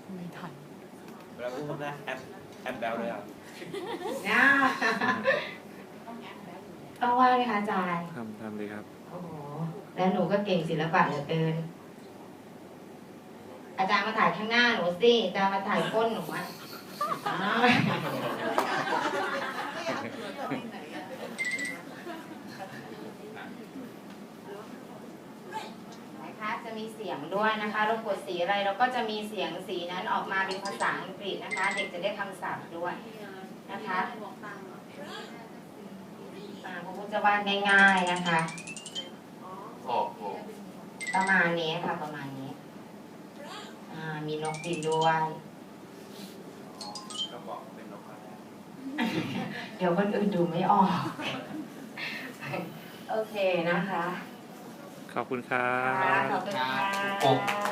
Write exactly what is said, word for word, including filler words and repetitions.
ไม่ทันแล้วพูดนะแอปแอปแบลเลยอ่ะน่าต้องว่าไหมคะอาจารย์ทำทำเลยครับโอ้โหแล้วหนูก็เก่งศิลปะเหลือเกินอาจารย์มาถ่ายข้างหน้าหนูสิอาจารย์มาถ่ายก้นหนูอ่ะอ้าวนะคะจะมีเสียงด้วยนะคะเรากดสีอะไรเราก็จะมีเสียงสีนั้นออกมาเป็นภาษาอังกฤษนะคะ เด็กจะได้คำศัพท์ด้วยนะคะอ่าพระพุทธจะวาดง่ายๆนะคะประมาณนี้ค่ะประมาณนี้อ่ามีนกบินด้วยก็บอกเป็นนกอะไรเดี๋ยวคนอื่นดูไม่ออกโอเคนะคะขอบคุณครัค่ะบขอบคุณค่ะ